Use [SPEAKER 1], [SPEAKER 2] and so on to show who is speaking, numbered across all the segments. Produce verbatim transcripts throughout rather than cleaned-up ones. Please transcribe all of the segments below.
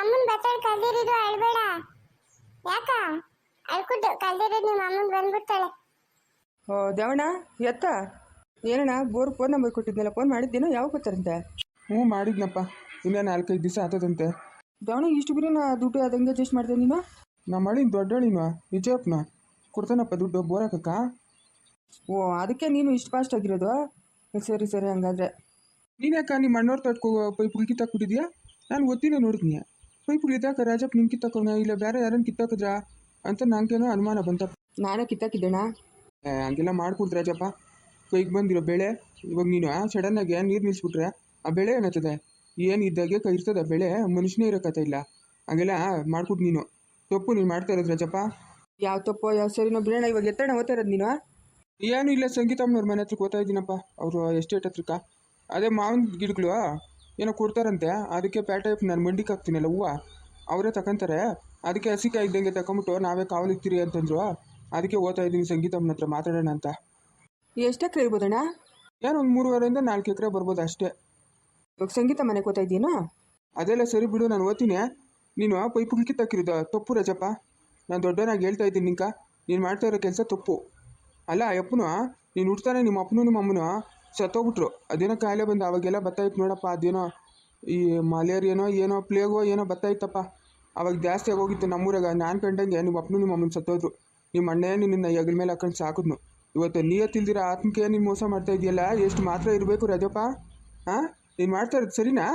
[SPEAKER 1] ಅಮ್ಮನ್ ಬತ್ತಾಳ ಕಲ್ದಿರಿದು ಅಳ್ಬೇಡ. ಯಾಕ ಅಳ್ಕುಟ್ಟು ಕಲ್ದಿರೋದು ನಿಮ್ಮ ಅಮ್ಮನ್ ಬಂದ್ಬಿಡ್ತಾಳೆ.
[SPEAKER 2] ಓ ದೇವಣ್ಣ ಎತ್ತ ಏನಣ್ಣ ಬೋರ್ ಫೋನ್ ನಂಬರ್ ಕೊಟ್ಟಿದ್ನಲ್ಲ, ಫೋನ್ ಮಾಡಿದ್ದೇನೋ ಯಾವಾಗ ಗೊತ್ತಾರಂತೆ?
[SPEAKER 3] ಹ್ಞೂ ಮಾಡಿದ್ನಪ್ಪ, ಇನ್ನೇ ನಾಲ್ಕೈದು ದಿವಸ ಆತದಂತೆ.
[SPEAKER 2] ದೇವಣ್ಣ ಇಷ್ಟು ಬಿರಿ ನಾ ದುಡ್ಡು ಅದಂಗೆ ಅಡ್ಜಸ್ಟ್ ಮಾಡ್ದೆ ನೀನು?
[SPEAKER 3] ನಮ್ಮ ಅಳಿನ ದೊಡ್ಡಳಿನ ವಿಜಯಪ್ಪನ ಕೊಡ್ತಾನಪ್ಪ ದುಡ್ಡು ಬೋರ್ ಹಾಕಕ್ಕ.
[SPEAKER 2] ಓ ಅದಕ್ಕೆ ನೀನು ಇಷ್ಟು ಫಾಸ್ಟ್ ಆಗಿರೋದು? ಸರಿ ಸರಿ ಹಂಗಾದ್ರೆ.
[SPEAKER 3] ನೀನ್ಯಾಕ ನಿಮ್ಮ ಅಣ್ಣವ್ರ ತಟ್ಕೋ ಪೈಪುಗಳು ಕಿತ್ತಾಕ್ಬಿಟ್ಟಿದ್ಯಾ? ನಾನು ಗೊತ್ತಿಲ್ಲ ನೋಡಿದ್ನಿ ಪೈಪುಗಳು ಇದ್ದಾಕ ರಾಜಪ್ಪ ನಿನ್ ಕಿತ್ತಾಕೋಣ ಇಲ್ಲ ಬೇರೆ ಯಾರನ್ನ ಕಿತ್ತಾಕಿದ್ರಾ ಅಂತ ನಂಗೇನೋ ಅನುಮಾನ ಬಂತಪ್ಪ.
[SPEAKER 2] ನಾನೇ ಕಿತ್ತಾಕಿದ್ದೇಣ.
[SPEAKER 3] ಹಂಗೆಲ್ಲ ಮಾಡ್ಕೊಡ್ತು ರಾಜಪ್ಪ. ಕೈಗೆ ಬಂದಿರೋ ಬೆಳೆ ಇವಾಗ ನೀನು ಸಡನ್ನಾಗಿ ನೀರು ನಿಲ್ಲಿಸ್ಬಿಟ್ರೆ ಆ ಬೆಳೆ ಏನಾಗ್ತದೆ? ಏನು ಇದ್ದಾಗೆ ಕೈ ಇರ್ತದೆ ಬೆಳೆ, ಮನುಷ್ಯನೇ ಇರೋಕತ್ತ ಇಲ್ಲ. ಹಂಗೆಲ್ಲ ಮಾಡ್ಕೊಟ್ಟು ನೀನು ತಪ್ಪು ನೀನು ಮಾಡ್ತಾ ಇರೋದು ರಾಜಪ್ಪ.
[SPEAKER 2] ಯಾವ ತಪ್ಪೋ ಯಾವ ಸರಿನೋ ಬಿಡೋಣ. ಇವಾಗ ಎತ್ತಣ ಓದ್ತಾ ಇರೋದು ನೀನು?
[SPEAKER 3] ಏನು ಇಲ್ಲ, ಸಂಗೀತಮ್ಮನವ್ರ ಮನೆ ಹತ್ರಕ್ಕೆ ಓದ್ತಾ ಇದ್ದೀನಪ್ಪ, ಅವರು ಎಸ್ಟೇಟ್ ಹತ್ರಕ್ಕ. ಅದೇ ಮಾವಿನ ಗಿಡಗಳು ಏನೋ ಕೊಡ್ತಾರಂತೆ, ಅದಕ್ಕೆ ಪ್ಯಾಟೈಪ್ ನಾನು ಮಂಡಿಗೆ ಹಾಕ್ತೀನಲ್ಲ ಹೂವು, ಅವರೇ ತಗೊಂತಾರೆ. ಅದಕ್ಕೆ ಹಸಿಕಾಯಿ ಇದ್ದಂಗೆ ತಗೊಂಬಿಟ್ಟು ನಾವೇ ಕಾವಲಿಕ್ತೀರಿ ಅಂತಂದ್ರು. ಅದಕ್ಕೆ ಓದ್ತಾ ಇದ್ದೀನಿ ಸಂಗೀತಮ್ಮನ ಹತ್ರ ಮಾತಾಡೋಣ ಅಂತ.
[SPEAKER 2] ಎಷ್ಟು ಎಕರೆ ಇರ್ಬೋದಣ್ಣ?
[SPEAKER 3] ಏನೋ ಒಂದು ಮೂರುವರೆಯಿಂದ ನಾಲ್ಕು ಎಕರೆ ಬರ್ಬೋದು ಅಷ್ಟೇ.
[SPEAKER 2] ಇವಾಗ ಸಂಗೀತ ಮನೆಗೆ ಓದ್ತಾ ಇದ್ದೀನೋ?
[SPEAKER 3] ಅದೆಲ್ಲ ಸರಿ ಬಿಡು, ನಾನು ಓದ್ತೀನಿ. ನೀನು ಪೈಪುಗಳು ಕಿತ್ತಾಕಿರೋದು ತಪ್ಪು ರಾಜಪ್ಪ. ನಾನು ದೊಡ್ಡನಾಗಿ ಹೇಳ್ತಾ ಇದ್ದೀನಿ ನಿಂಕ, ನೀನು ಮಾಡ್ತಾ ಇರೋ ಕೆಲಸ ತಪ್ಪು. ಅಲ್ಲ ಅಪ್ಪನು ನೀನು ಹುಡ್ತಾನೆ ನಿಮ್ಮ ಅಪ್ಪನೂ ನಿಮ್ಮ ಅಮ್ಮನೂ ಸತ್ತೋಗ್ಬಿಟ್ರು. ಅದೇನೋ ಕಾಯಿಲೆ ಬಂದು ಅವಾಗೆಲ್ಲ ಬತ್ತಾಯಿತ್ತು ನೋಡಪ್ಪ. ಅದೇನೋ ಈ ಮಲೇರಿಯನೋ ಏನೋ ಪ್ಲೇಗೋ ಏನೋ ಬತ್ತಾಯಿತ್ತಪ್ಪ. ಅವಾಗ ಜಾಸ್ತಿ ಆಗೋಗಿತ್ತು ನಮ್ಮೂರಾಗ. ನಾನು ಕಂಡಂಗೆ ನಿಮ್ಮ ಅಪ್ಪನೂ ನಿಮ್ಮ ಅಮ್ಮನ ಸತ್ತೋದ್ರು. ನಿಮ್ಮ ಅಣ್ಣೇ ನಿನ್ನ ಹೆಗಲ ಮೇಲೆ ಹಾಕೊಂಡು ಸಾಕಿದ್ನು. ಇವತ್ತು ನೀಯತ್ತಿಲ್ದಿರ ಆತ್ಮಕ್ಕೆ ನೀನು ಮೋಸ ಮಾಡ್ತಾ ಇದೆಯಲ್ಲ, ಎಷ್ಟು ಮಾತ್ರ ಇರಬೇಕು ರಾಜಪ್ಪ? ಹಾಂ, ನೀನು ಮಾಡ್ತಾ ಇರೋದು ಸರಿನಾ?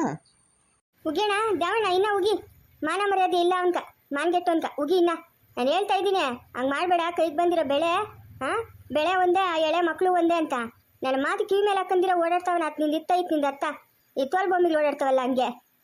[SPEAKER 1] ಉಗಿಯಣ್ಣ ದ್ಯಾವಣ್ಣ, ಇನ್ನ ಉಗಿ. ಮಾನ ಮರ್ಯಾದೆ ಇಲ್ಲ ಅವನ್ಕ, ಮಾನ್ಗೆಟ್ಟು ಅನ್ಕ ಉಗಿ. ಇನ್ನ ನಾನು ಹೇಳ್ತಾ ಇದ್ದೀನಿ ಹಂಗೆ ಮಾಡಬೇಡ. ಕೈಗೆ ಬಂದಿರೋ ಬೆಳೆ ಹಾಂ ಬೆಳೆ ಒಂದೇ, ಆ ಎಳೆ ಮಕ್ಕಳು ಒಂದೇ ಅಂತ ನನ್ನ ಮಾತು ಕಿವಿ ಮೇಲೆ ಹಾಕಂದಿರೋ ಓಡಾಡ್ತಾವನ. ಅದು ನಿಂದು ಇತ್ತ ಇತ್ತು ನಿಂದು ಅರ್ಥ. ಈ ತೋಲ್ ಬೊಮ್ಮಿಗೆ ಓಡಾಡ್ತಾವಲ್ಲ ಹಂಗೆ.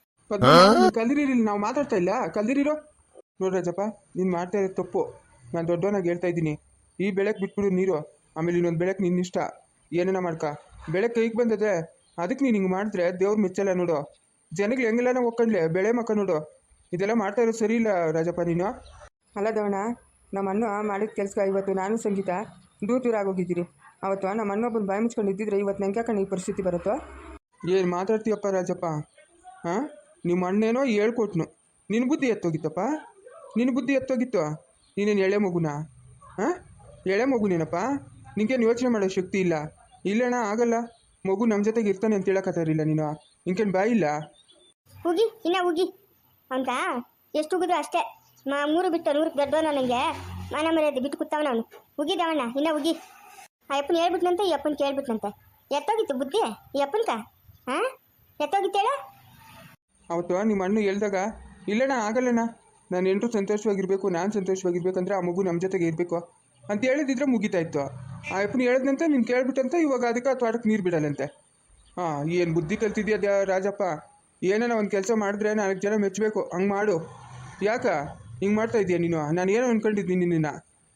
[SPEAKER 3] ಕಲ್ದಿರಿರಿ, ನಾವು ಮಾತಾಡ್ತಾ ಇಲ್ಲ, ಕಲ್ದಿರಿರೋ. ನೋಡಿ ರಾಜಪ್ಪ, ನೀನು ಮಾಡ್ತಾ ಇರೋದು ತಪ್ಪು. ನಾನು ದೊಡ್ಡವನಾಗಿ ಹೇಳ್ತಾ ಇದ್ದೀನಿ, ಈ ಬೆಳೆಗೆ ಬಿಟ್ಬಿಡು ನೀರು. ಆಮೇಲೆ ಇನ್ನೊಂದು ಬೆಳೆಗೆ ನಿನ್ನ ಇಷ್ಟ, ಏನೇನ ಮಾಡ್ಕ. ಬೆಳೆ ಕೈಗೆ ಬಂದದೆ ಅದಕ್ಕೆ ನೀನು ಹಿಂಗೆ ಮಾಡಿದ್ರೆ ದೇವ್ರು ಮೆಚ್ಚಲ್ಲ ನೋಡು. ಜನಗಳು ಹೆಂಗೆಲ್ಲ ಒಕ್ಕಂಡ್ಲೆ ಬೆಳೆ ಮಕ್ಕ ನೋಡು. ಇದೆಲ್ಲ ಮಾಡ್ತಾ ಇರೋದು ಸರಿ ಇಲ್ಲ ರಾಜಪ್ಪ ನೀನು.
[SPEAKER 2] ಅಲ್ಲ ದೇವಣ್ಣ, ನಮ್ಮ ಅಣ್ಣ ಮಾಡಿದ ಕೆಲಸ ಇವತ್ತು ನಾನು ಸಂಗೀತ ದೂರ ದೂರ ಆಗೋಗಿದ್ದೀರಿ. ಅವತ್ತು ನಮ್ಮ ಅಣ್ಣೊಬ್ಬನ ಬಾಯಿ ಮುಚ್ಕೊಂಡು ಇದ್ದಿದ್ರೆ ಇವತ್ತು ನಂಗೆ ಯಾಕಂಡು ಈ ಪರಿಸ್ಥಿತಿ ಬರುತ್ತೋ?
[SPEAKER 3] ಏನು ಮಾತಾಡ್ತೀಯಪ್ಪ ರಾಜಪ್ಪ? ಹಾಂ, ನಿಮ್ಮ ಅಣ್ಣೇನೋ ಹೇಳ್ಕೊಟ್ನು, ನಿನ್ನ ಬುದ್ಧಿ ಎತ್ತೋಗಿತ್ತಪ್ಪ. ನಿನ್ನ ಬುದ್ಧಿ ಎತ್ತೋಗಿತ್ತು. ನೀನೇನು ಎಳೆ ಮಗುನಾ? ಹಾಂ, ಎಳೆ ಮಗುನೇನಪ್ಪ? ನಿಂಗೇನು ಯೋಚನೆ ಮಾಡೋ ಶಕ್ತಿ ಇಲ್ಲ? ಇಲ್ಲಣ್ಣ ಆಗಲ್ಲ, ಮಗು ನಮ್ಮ ಜೊತೆಗೆ ಇರ್ತಾನೆ ಅಂತ ಹೇಳಕತ್ತಾರಿಲ್ಲ ನೀನು. ನಿಂಗೇನು ಬಾಯಿ ಇಲ್ಲ?
[SPEAKER 1] ಉಗಿ ಇನ್ನ ಉಗಿ ಅಂತ ಎಷ್ಟು ಉಗಿದ್ರು ಅಷ್ಟೇ. ಮಾ ಮೂರು ಬಿಟ್ಟು ನೂರಕ್ಕೆ ದೊಡ್ಡವನ ನನಗೆ ಮಾನ ಮರ್ಯಾದೆ ಬಿಟ್ಟು ಕೂತವನ ಅವನು. ಉಗಿದವಣ್ಣ ಇನ್ನ ಉಗಿ. ಆ ಅಪ್ಪನ ಹೇಳ್ಬಿಟ್ನಂತೆ, ಈ ಅಪ್ಪನ ಕೇಳ್ಬಿಟ್ನಂತೆ. ಎತ್ತೋಗಿತ್ತು ಬುದ್ಧಿ ಈ ಅಪ್ಪನ್ಕ? ಹಾಂ, ಎತ್ತೋಗಿತ್ತು ಹೇಳ.
[SPEAKER 3] ಅವತ್ತು ನಿಮ್ಮ ಅಣ್ಣ ಹೇಳ್ದಾಗ ಇಲ್ಲಣ್ಣ ಆಗಲ್ಲಣ್ಣ, ನಾನು ಎಂಟು ಸಂತೋಷವಾಗಿರಬೇಕು, ನಾನು ಸಂತೋಷವಾಗಿರ್ಬೇಕಂದ್ರೆ ಆ ಮಗು ನಮ್ಮ ಜೊತೆಗೆ ಇರಬೇಕು ಅಂತ ಹೇಳಿದಿದ್ರೆ ಮುಗಿತಾ ಇತ್ತು. ಆ ಅಪ್ಪನ ಹೇಳಿದ್ನಂತೆ, ನೀನು ಕೇಳ್ಬಿಟ್ಟಂತ ಇವಾಗ ಅದಕ್ಕೆ ಆ ತೋಟಕ್ಕೆ ನೀರು ಬಿಡಲ್ಲಂತೆ. ಹಾಂ, ಏನು ಬುದ್ಧಿ ಕಲ್ತಿದ್ಯಾ ರಾಜಪ್ಪ? ಏನಾನ ಒಂದು ಕೆಲಸ ಮಾಡಿದ್ರೆ ನಾಲ್ಕು ಜನ ಮೆಚ್ಚಬೇಕು, ಹಂಗೆ ಮಾಡು. ಯಾಕ ಹಿಂಗೆ ಮಾಡ್ತಾ ಇದೀಯ ನೀನು? ನಾನು ಏನೋ ಅಂದ್ಕೊಂಡಿದ್ದೀನಿ ನಿನ್ನ.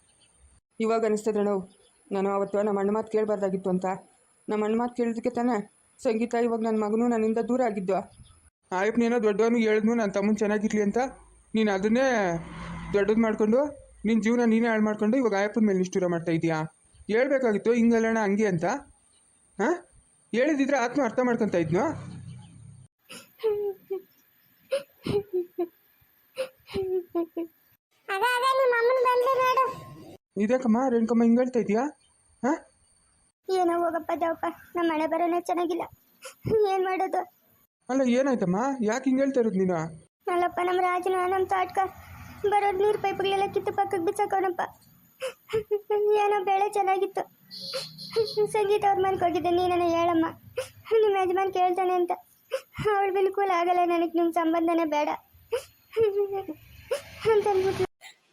[SPEAKER 2] ಇವಾಗ ಅನಿಸ್ತದೆ ನಾವು ನಾನು ಅವತ್ತು ನಮ್ಮ ಅಣ್ಣ ಮಾತು ಕೇಳಬಾರ್ದಾಗಿತ್ತು ಅಂತ. ನಮ್ಮ ಅಣ್ಣ ಮಾತು ಕೇಳಿದಕ್ಕೆ ತಾನೇ ಸಂಗೀತ ಇವಾಗ ನನ್ನ ಮಗನೂ ನನ್ನಿಂದ ದೂರ ಆಗಿದ್ದು.
[SPEAKER 3] ಆಯಪ್ಪನೇನೋ ದೊಡ್ಡವನು ಹೇಳಿದ್ನು ನನ್ನ ತಮ್ಮನ ಚೆನ್ನಾಗಿರ್ಲಿ ಅಂತ. ನೀನು ಅದನ್ನೇ ದೊಡ್ಡದು ಮಾಡಿಕೊಂಡು ನಿನ್ನ ಜೀವನ ನೀನೇ ಹಾಳು ಮಾಡ್ಕೊಂಡು ಇವಾಗ ಆಯಪ್ಪನ ಮೇಲೆ ನಿಷ್ಠೂರ ಮಾಡ್ತಾ ಇದೀಯಾ? ಹೇಳ್ಬೇಕಾಗಿತ್ತು ಹಿಂಗಲ್ಲಣ್ಣ ಹಂಗೆ ಅಂತ. ಹಾಂ, ಹೇಳಿದಿದ್ರೆ ಆತ್ಮ ಅರ್ಥ ಮಾಡ್ಕೊತ ಇದ್ನು. ಇದಕ್ಕಮ್ಮ ರೇಣುಕಮ್ಮ ಹಿಂಗೆ ಹೇಳ್ತಾ ಇದೀಯಾ? ಹಾಂ,
[SPEAKER 1] ಏನೋ ಹೋಗಪ್ಪ ದೇವಪ್ಪ, ನಮ್ಮ ಮನೆ ಬರೋನೇ ಚೆನ್ನಾಗಿಲ್ಲ. ಏನು ಮಾಡೋದು?
[SPEAKER 3] ಅಲ್ಲ ಏನಾಯ್ತಮ್ಮ, ಯಾಕೆ ಹಿಂಗೆ ಹೇಳ್ತಾ ಇರೋದು ನೀನು?
[SPEAKER 1] ಅಲ್ಲಪ್ಪ, ನಮ್ಮ ರಾಜನ ನಮ್ಮ ತಾಟ್ಕ ಬರೋದು ನೀರು ಪೈಪ್ಗಳೆಲ್ಲ ಕಿತ್ತು ಪಕ್ಕಕ್ಕೆ ಬಿಸಾಕೋಣಪ್ಪ. ಏನೋ ಬೆಳೆ ಚೆನ್ನಾಗಿತ್ತು. ಸಂಗೀತ ಅವ್ರ ಮನೆಗೆ ಹೋಗಿದ್ದೆ, ನೀನನ್ನ ಹೇಳಮ್ಮ ನಿಮ್ಮ ಯಜಮಾನ್ ಕೇಳ್ತಾನೆ ಅಂತ. ಅವಳು ಬಿಲ್ಕುಲ್ ಆಗಲ್ಲ, ನನಗೆ ನಿಮ್ಮ ಸಂಬಂಧನೇ ಬೇಡ ಅಂತ ಅಂದ್ಬಿಟ್ಟು.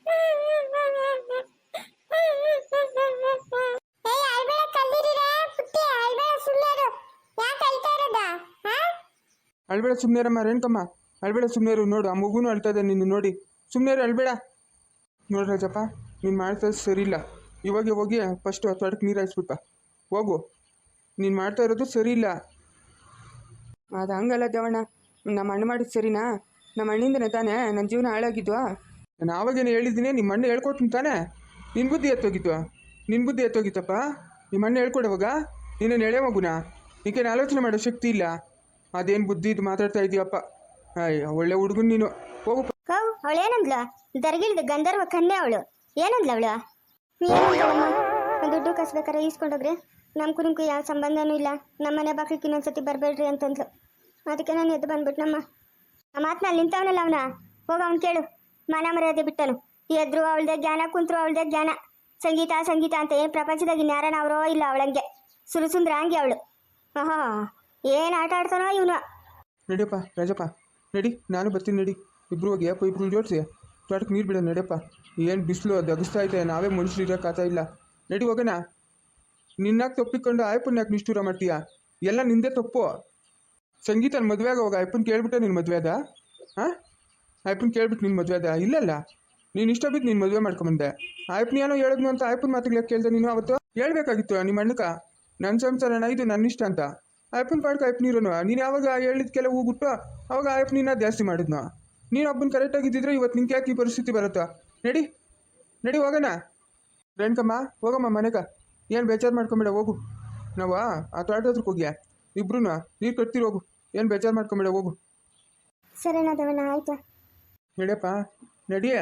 [SPEAKER 3] ಅಳ್ಬೇಡ ಸುಮ್ಮನೆರಮ್ಮ ರೇಣುಕಮ್ಮ, ಅಳ್ಬೇಡ ಸುಮ್ಮನೆರು. ನೋಡು ಆ ಮಗುನೂ ಅಳ್ತಾ ಇದೆ ನಿನ್ನ ನೋಡಿ. ಸುಮ್ಮನೆರು, ಅಳ್ಬೇಡ. ನೋಡು ರಾಜಪ್ಪ, ನೀನು ಮಾಡ್ತಾ ಸರಿ ಇಲ್ಲ. ಇವಾಗ ಹೋಗಿ ಫಸ್ಟು ತೋಟಕ್ಕೆ ನೀರು ಹಾಯಿಸ್ಬಿಟ್ಟ ಹೋಗು. ನೀನು ಮಾಡ್ತಾ ಇರೋದು ಸರಿ ಇಲ್ಲ.
[SPEAKER 2] ಅದು ಹಂಗಲ್ಲ ದೇವಣ್ಣ, ನಮ್ಮ ಅಣ್ಣ ಮಾಡಿದ್ದು ಸರಿನಾ? ನಮ್ಮ ಅಣ್ಣಿಂದನೇ ತಾನೇ ನನ್ನ ಜೀವನ ಹಾಳಾಗಿದ್ವಾ?
[SPEAKER 3] ನಾನು ಆವಾಗೇನು ಹೇಳಿದ್ದೀನಿ, ನಿಮ್ಮ ಅಣ್ಣ ಹೇಳ್ಕೊಟ್ನು ತಾನೇ. ನಿನ್ನ ಬುದ್ಧಿ ಎತ್ತೋಗಿತ್ತು, ನಿನ್ನ ಬುದ್ಧಿ ಎತ್ತೋಗಿತ್ತಪ್ಪ. ನಿಮ್ಮ ಅಣ್ಣ ಹೇಳ್ಕೊಡುವಾಗ ನೀನೇನು ಎಳೆ ಮಗುನಾ? ನೀಕೇನು ಆಲೋಚನೆ ಮಾಡೋ ಶಕ್ತಿ ಇಲ್ಲ? ಅದೇನು ಬುದ್ಧಿ ಇದು ಮಾತಾಡ್ತಾ ಇದೀಯಪ್ಪ? ಅಯ್ಯ, ಒಳ್ಳೆ ಹುಡುಗನ್ ನೀನು. ಹೋಗು.
[SPEAKER 1] ಕೌ ಅವಳು ಏನಂದ್ಲು? ದರ್ಗಿಳ್ದು ಗಂಧರ್ವ ಕನ್ಯೆ ಅವಳು. ಏನಂದ್ಲು ಅವಳು? ದುಡ್ಡು ಕಸ್ಬೇಕಾರೆ ಈಸ್ಕೊಂಡೋಗ್ರಿ, ನಮ್ಗೂ ನಿಮ್ಗೂ ಯಾವ ಸಂಬಂಧನೂ ಇಲ್ಲ, ನಮ್ಮ ಮನೆ ಬಾಕ್ಲಿಕ್ಕೆ ಇನ್ನೊಂದ್ಸತಿ ಬರಬೇಡ್ರಿ ಅಂತಂದ್ಲು. ಅದಕ್ಕೆ ನಾನು ಎದ್ದು ಬಂದ್ಬಿಟ್ಟು ನಮ್ಮ ಆ ಮಾತನಲ್ಲಿ ನಿಂತವನಲ್ಲ ಅವನ, ಹೋಗ ಅವ್ನು ಕೇಳು. ಮಾನ ಮರ್ಯಾದೆ ಬಿಟ್ಟನು. ಎದ್ರು ಅವಳದೇ ಜ್ಞಾನ, ಕುಂತ್ರು ಅವಳದೇ ಜ್ಞಾನ. ಸಂಗೀತ ಸಂಗೀತ ಅಂತ ಏನು ಪ್ರಪಂಚದಾಗ ಇನ್ಯಾರನ ಅವರೋ ಇಲ್ಲ ಅವಳಂಗೆ ಸುರುಸುಂದ್ರ ಹಂಗೆ ಅವಳು. ಆಹಾ ಏನು ಆಟ ಆಡ್ತಾನೋ ಇವನು.
[SPEAKER 3] ನಡಿಯಪ್ಪ ರಾಜಪ್ಪ, ನಡಿ, ನಾನು ಬರ್ತೀನಿ ನಡಿ. ಇಬ್ರು ಹೋಗಿ ಅಪ್ಪ ಇಬ್ರು ಜೋಡಿಸಿ ತೋಟಕ್ಕೆ ನೀರು ಬಿಡ. ನಡಿಯಪ್ಪ, ಏನು ಬಿಸಿಲು ಅದು ಅಗಿಸ್ತಾ ಐತೆ, ನಾವೇ ಮನುಷ್ಯರು ಇರೋಕ್ಕಾಗ್ತಾ ಇಲ್ಲ. ನಡಿ ಹೋಗೋಣ. ನಿನ್ನಾಗ ತಪ್ಪಿಕೊಂಡು ಆಯಪ್ಪನ ಯಾಕೆ ನಿಷ್ಠೂರ ಮಾಡ್ತೀಯ? ಎಲ್ಲ ನಿಂದೇ ತಪ್ಪು. ಸಂಗೀತನ ಮದುವೆ ಆಗ ಹೋಗ ಅಯ್ಯಪ್ಪನ ಕೇಳ್ಬಿಟ್ಟೆ ನಿನ್ನ ಮದುವೆ ಅದ? ಹಾಂ, ಅಯ್ಯಪ್ಪನ ಕೇಳ್ಬಿಟ್ಟು ನಿನ್ನ ಮದುವೆ ಅದ? ಇಲ್ಲಲ್ಲ, ನೀನು ಇಷ್ಟ ಬಿದ್ದು ನೀನು ಮದುವೆ ಮಾಡ್ಕೊಂಬಂದೆ. ಆಯಪ್ಪನ ಏನೋ ಹೇಳಿದ್ನು ಅಂತ ಆಯಪ್ಪನ ಮಾತುಗಳು ಕೇಳ್ದೆ ನೀನು. ಅವತ್ತು ಹೇಳ್ಬೇಕಾಗಿತ್ತು ನಿಮ್ಮ ಅಣ್ಣಕ, ನನ್ನ ಸಂಸಾರಣ ಇದು ನನ್ನ ಇಷ್ಟ ಅಂತ. ಅಯ್ಯಪ್ಪನ ಪಾಡ್ಕ ಅಯ್ಯಪ್ಪ ನೀರನು ನೀನು ಯಾವಾಗ ಹೇಳಿದ್ಕೆಲ್ಲ ಹೋಗ್ಬಿಟ್ಟು ಅವಾಗ ಅಯ್ಯಪ್ಪ ನೀನ ಜಾಸ್ತಿ ಮಾಡಿದ್ನು. ನೀನು ಒಬ್ಬನ ಕರೆಕ್ಟಾಗಿದ್ದಿದ್ರೆ ಇವತ್ತು ನಿಂಗೆ ಯಾಕೆ ಈ ಪರಿಸ್ಥಿತಿ ಬರುತ್ತಾ? ನಡಿ ನಡಿ ಹೋಗೋಣ. ರೇಣುಕಮ್ಮ ಹೋಗಮ್ಮ ಮನೆಗ, ಏನು ಬೇಜಾರು ಮಾಡ್ಕೊಂಬೇಡ, ಹೋಗು. ನಾವು ಆ ತೋಟದ ಹತ್ರಕ್ಕೆ ಹೋಗ್ಯಾ ಇಬ್ರು ನೀರು ಕಟ್ತೀರಿ, ಹೋಗು. ಏನು ಬೇಜಾರು ಮಾಡ್ಕೊಂಬೇಡ, ಹೋಗು.
[SPEAKER 1] ಸರಿನಾ ದೇವಣ್ಣ, ಆಯ್ತಾ?
[SPEAKER 3] ನಡಿಯಪ್ಪ ನಡಿಯೇ.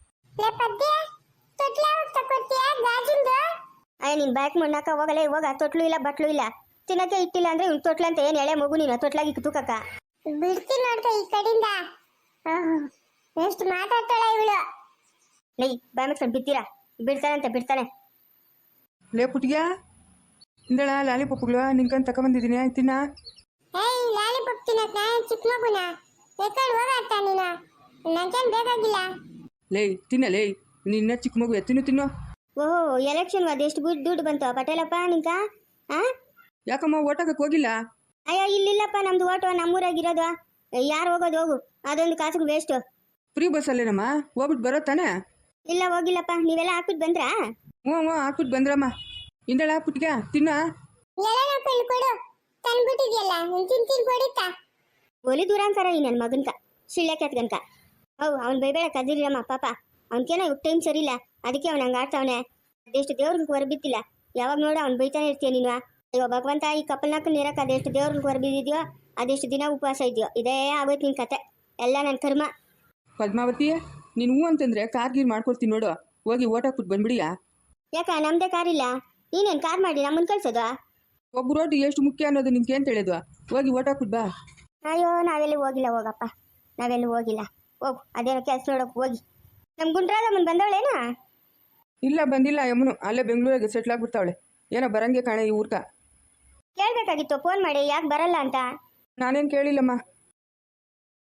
[SPEAKER 1] ಅಯ್ಯ ನೀನು ಬ್ಯಾಕ್ ಮಣ್ಣಾಕ ಹೋಗಲೇ, ಹೋಗ. ತೊಟ್ಲು ಇಲ್ಲ ಬಟ್ಲು ಇಲ್ಲ, ತಿನ್ನಕ್ಕೆ ಇಟ್ಟಿಲ್ಲ ಅಂದ್ರೆ ಇವ್ನು ತೊಟ್ಲು ಅಂತ ಏನು ಎಳೆ ಮಗು ನೀನು ತೊಟ್ಲಾಗಿ ತೂಕಕ್ಕ
[SPEAKER 4] ಬಿಡ್ತೀನಿ ನೋಡ್ಕ ಈ ಕಡೆಯಿಂದ. ಎಷ್ಟು ಮಾತಾಡ್ತಾಳ ಇವಳು.
[SPEAKER 1] ಲೈ ಬಾಯ್ ಮುಚ್ಕೊಂಡು ಬಿತ್ತೀರಾ? ಬಿಡ್ತಾನಂತೆ ಬಿಡ್ತಾನೆ.
[SPEAKER 2] ಲೇ ಪುಟ್ಟಿಗೆ ಇಂದಳ ಲಾಲಿಪಾಪ್ಗಳು ನಿನ್ಕಂತ ತಗೊಂಬಂದಿದ್ದೀನಿ, ತಿನ್ನ.
[SPEAKER 4] ಏಯ್ ಲಾಲಿಪಾಪ್ ತಿನ್ನಕ್ ನಾ ಚಿಕ್ಕ ಮಗುನ ಎಕ್ಕಡ್ ಹೋಗಾಡ್ತಾ ನೀನು, ನಂಗೇನು ಬೇಕಾಗಿಲ್ಲ.
[SPEAKER 2] ಲೇ ತಿನ್ನ ಲೇ, ನಿನ್ನ ಚಿಕ್ಕ ಮಗು ಎತ್ತಿನ ತಿನ್ನು.
[SPEAKER 1] ಓಹೋ ಎಲೆಕ್ಷನ್ ಅದೆಷ್ಟು ದುಡ್ಡು ದುಡ್ಡು ಬಂತು ಪಟೇಲಪ್ಪ ನಿಂಕ? ಆ
[SPEAKER 2] ಯಾಕಮ್ಮ ಓಟಾಕಕ್ಕೆ ಹೋಗಿಲ್ಲ?
[SPEAKER 1] ಅಯ್ಯೋ ಇಲ್ಲಿಲ್ಲಪ್ಪ, ನಮ್ದು ಓಟು ನಮ್ಮೂರಾಗಿರೋದು. ಯಾರು ಹೋಗೋದು? ಹೋಗು, ಅದೊಂದು ಕಾಸಿಗೆ ವೇಸ್ಟು.
[SPEAKER 2] ಫ್ರೀ ಬಸ್ಸಲ್ಲೇನಮ್ಮ, ಹೋಗ್ಬಿಟ್ಟು ಬರೋ ತಾನೆ?
[SPEAKER 1] ಇಲ್ಲ ಹೋಗಿಲ್ಲಪ್ಪ, ನೀವೆಲ್ಲ ಹಾಕ್ಬಿಟ್ಟು ಬಂದ್ರಾ?
[SPEAKER 2] ಹ್ಞೂ ಹ್ಞೂ ಹಾಕ್ಬಿಟ್ಟು ಬಂದ್ರಮ್ಮ. ಇಂದಳ ಪುಟ್ಟಿಗೆ ತಿನ್ನ.
[SPEAKER 4] ಎಲ್ಲನ ಕಳ್ಳು ಕೊಡು, ತಂದ್ಬಿಟ್ಟಿದ್ಯಲ್ಲ, ನೀನು ತಿಂತೀನಿ ಕೊಡಿತಾ.
[SPEAKER 1] ಒಲಿ ದೂರಾಂಕರ ಈ ನನ್ನ ಮಗನ್ಕ ಶಿಳ್ಳೆ ಕೆತ್ಗನ್ಕ. ಹೌ ಅವ್ನು ಬೈಬೇಡ ಕದಿರಮ್ಮ ಪಾಪ, ಅವ್ನಿಗೇನೋ ಇವಾಗ ಟೈಮ್ ಸರಿ ಇಲ್ಲ, ಅದಕ್ಕೆ ಅವ್ನು ಹಂಗೆ ಆಡ್ತಾವನೆ. ಅದೆಷ್ಟು ದೇವ್ರಿಗೆ ಹೊರಬಿದ್ದಿಲ್ಲ, ಯಾವಾಗ ನೋಡು ಅವ್ನು ಬೈತಾನೆ ಇರ್ತೀಯ ನೀನು. ಅಯ್ಯೋ ಭಗವಂತ, ಈ ಕಪ್ಪಲ್ನಾಕ ನೀರಕ್ಕೆ ಅದೆಷ್ಟು ದೇವ್ರಿಗೆ ಹೊರಬಿದ್ದಿದ್ಯೋ, ಅದೆಷ್ಟು ದಿನ ಉಪವಾಸ ಇದೆಯೋ, ಇದೇ ಆಗೋಯ್ತು ನಿನ್ನ ಕತೆ ಎಲ್ಲ ನನ್ನ ಕರ್ಮ.
[SPEAKER 2] ಪದ್ಮಾವತಿ, ನೀನು ಹೂ ಅಂತಂದ್ರೆ ಕಾರ್ ಗೀರ್ ಮಾಡ್ಕೊಡ್ತೀನಿ ನೋಡು, ಹೋಗಿ ಓಟ್ ಹಾಕ್ಬಿಟ್ಟು ಬಂದ್ಬಿಡಿಯಾ.
[SPEAKER 1] ಯಾಕ ನಮ್ಮದೇ ಕಾರ್ ಇಲ್ಲ, ನೀನೇನು ಕಾರ್ ಮಾಡಿ ನಮ್ಮನ್ನು ಕಳ್ಸೋದು?
[SPEAKER 2] ಒಬ್ಬ ರೋಡ್ ಎಷ್ಟು ಮುಖ್ಯ ಅನ್ನೋದು ನಿನ್ಗೆ ಏನು ತಿಳಿಯೋದು? ಹೋಗಿ ಓಟ್ ಹಾಕ್ಬಿಟ್ಟು ಬಾ.
[SPEAKER 1] ಅಯ್ಯೋ ನಾವೆಲ್ಲಿ ಹೋಗಿಲ್ಲ, ಹೋಗಪ್ಪ ನಾವೆಲ್ಲಿ ಹೋಗಿಲ್ಲ. ಹೋಗು, ಅದೇನೋ ಕೆಲಸ ನೋಡೋಕೆ ಹೋಗಿ. ನಮ್ಮ ಗುಂಡ್ರಾದಮ್ಮನ ಬಂದವಳೇನಾ?
[SPEAKER 2] ಇಲ್ಲ ಬಂದಿಲ್ಲ, ಯಮ್ಮನು ಅಲ್ಲೇ ಬೆಂಗಳೂರಿಗೆ ಸೆಟ್ಲ್ ಆಗ್ಬಿಡ್ತಾವಳೆ. ಏನೋ ಬರಂಗೆ ಕಾಣೆ ಈ ಊರ್ಕ.
[SPEAKER 1] ಕೇಳಬೇಕಾಗಿತ್ತು ಫೋನ್ ಮಾಡಿ ಯಾಕೆ ಬರಲ್ಲ ಅಂತ.
[SPEAKER 2] ನಾನೇನು ಕೇಳಿಲ್ಲಮ್ಮ,